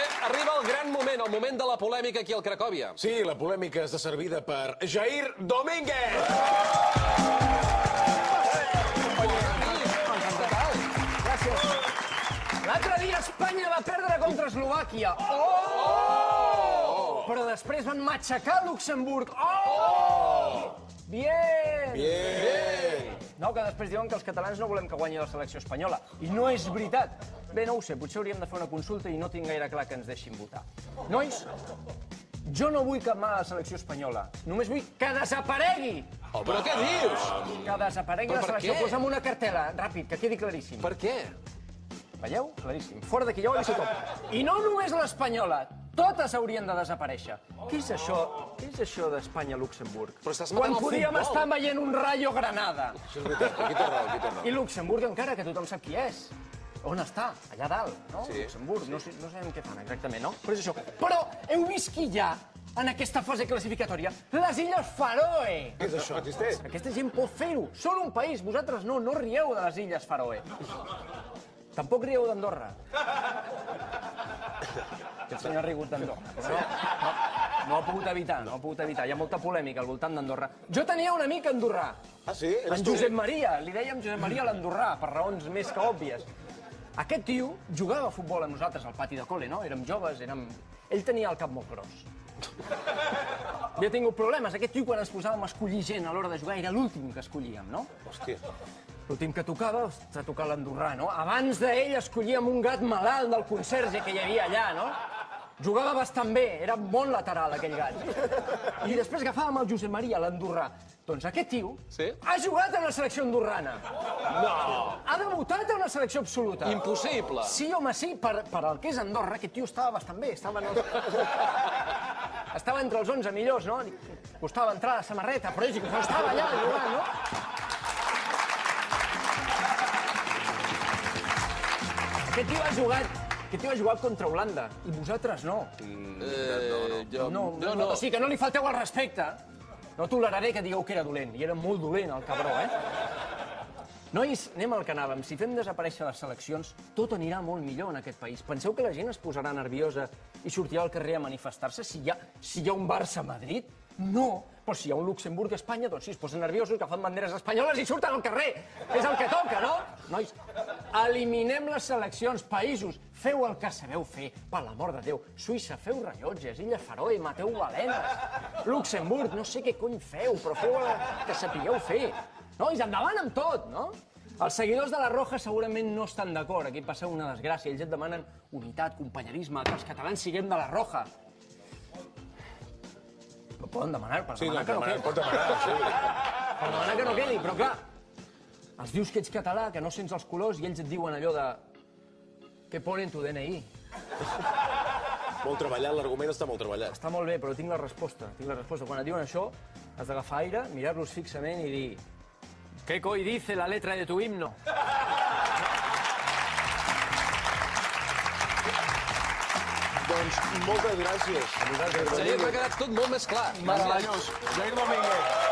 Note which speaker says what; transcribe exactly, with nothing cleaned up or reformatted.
Speaker 1: arriba el gran moment, el moment de la polèmica aquí al Cracòvia.
Speaker 2: Sí, la polèmica està servida per Jair Domínguez.
Speaker 3: L'altre dia Espanya va perdre contra Eslovàquia. Oh! Però després van matxacar Luxemburg. Oh! Bien!
Speaker 2: Bien!
Speaker 3: No, que després diuen que els catalans no volem que guanyi la selecció espanyola. I no és veritat. Bé, no ho sé, potser hauríem de fer una consulta i no tinc gaire clar que ens deixin votar. Nois, jo no vull cap mala selecció espanyola. Només vull que desaparegui!
Speaker 1: Oh, però què dius?
Speaker 3: Que desaparegui
Speaker 1: Però
Speaker 3: la
Speaker 1: per
Speaker 3: selecció.
Speaker 1: què?
Speaker 3: Posa'm una cartela, ràpid, que quedi claríssim.
Speaker 1: Per què?
Speaker 3: Veieu? Claríssim. Fora d'aquí, jo ho he vist tothom. I no només l'espanyola, totes haurien de desaparèixer. Què és això? Què és això d'Espanya-Luxemburg?
Speaker 1: Però estàs matant
Speaker 3: Quan
Speaker 1: el
Speaker 3: podíem
Speaker 1: futbol.
Speaker 3: estar veient un Rayo Granada.
Speaker 2: Això és veritat, aquí té raó, aquí té raó.
Speaker 3: I Luxemburg encara, que tothom sap qui és. On està? Allà dalt, no?
Speaker 2: Sí.
Speaker 3: Luxemburg, no, sé, no sabem què fan exactament, no? Però és això. Però heu vist qui hi ha en aquesta fase classificatòria? Les Illes Faroe!
Speaker 2: Què és això? Existeix?
Speaker 3: Aquesta gent pot fer-ho. Són un país, vosaltres no, no rieu de les Illes Faroe. Tampoc rieu d'Andorra. Aquest senyor ha rigut d'Andorra. Però no, no, no ho ha pogut evitar, no ho ha pogut evitar. Hi ha molta polèmica al voltant d'Andorra. Jo tenia un amic andorrà.
Speaker 2: Ah, sí? Eres
Speaker 3: En
Speaker 2: tu?
Speaker 3: Josep Maria. Li dèiem Josep Maria l'Andorrà, per raons més que òbvies. Aquest tio jugava a futbol amb nosaltres al pati de col·le, no? Érem joves, érem... Ell tenia el cap molt gros. Havia tingut problemes. Aquest tio, quan ens posàvem a escollir gent a l'hora de jugar, era l'últim que escollíem, no?
Speaker 2: Hòstia.
Speaker 3: L'últim que tocava, s'ha tocat l'andorrà, no? Abans d'ell escollíem un gat malalt del conserge que hi havia allà, no? Jugava bastant bé, era bon lateral, aquell gat. I després agafàvem el Josep Maria, l'andorrà. Doncs aquest tio
Speaker 1: Sí?
Speaker 3: ha jugat en la selecció andorrana.
Speaker 1: No!
Speaker 3: Ha debutat en la selecció absoluta.
Speaker 1: Impossible!
Speaker 3: Sí, home, sí, per, per el que és Andorra, aquest tio estava bastant bé, estava, no... estava entre els onze millors, no? Costava entrar a la samarreta, però ell estava allà jugant, no? Aquest tio ha jugat, aquest tio ha jugat contra Holanda, i vosaltres no.
Speaker 1: Eh, jo,
Speaker 3: No,
Speaker 1: jo
Speaker 3: no, o sigui que no li falteu al respecte. No toleraré que digueu que era dolent, i era molt dolent, el cabró, eh? Nois, anem al que anàvem. Si fem desaparèixer les seleccions, tot anirà molt millor en aquest país. Penseu que la gent es posarà nerviosa i sortirà al carrer a manifestar-se si hi ha, si hi ha un Barça-Madrid? No. Però si hi ha un Luxemburg-Espanya, doncs sí, es posen nerviosos, agafen banderes espanyoles i surten al carrer. És el que toca, no? Nois, eliminem les seleccions, països. Feu el que sabeu fer, per l'amor de Déu. Suïssa, feu rellotges. Illes Faroe, mateu balenes. Luxemburg, no sé què cony feu, però feu el que sapigueu fer. Nois, endavant amb tot, no? Els seguidors de la Roja segurament no estan d'acord. Aquí passa una desgràcia. Ells et demanen unitat, companyerisme, que els catalans siguem de la Roja. Ho poden demanar, per
Speaker 2: Sí,
Speaker 3: demanar
Speaker 2: doncs
Speaker 3: que no
Speaker 2: demanar,
Speaker 3: quedi.
Speaker 2: pot demanar, sí.
Speaker 3: Per demanar que no quedi, però clar, els dius que ets català, que no sents els colors, i ells et diuen allò de... Què pone en tu D N I?
Speaker 2: Molt treballat, l'argument està molt treballat.
Speaker 3: Està molt bé, però tinc la resposta. Tinc la resposta. Quan et diuen això, has d'agafar aire, mirar-los fixament i dir... ¿Qué coi dice la letra de tu himno?
Speaker 2: Doncs moltes gràcies.
Speaker 1: Xavier, m'ha quedat tot molt més clar.
Speaker 2: Meravellós. Jair Domínguez.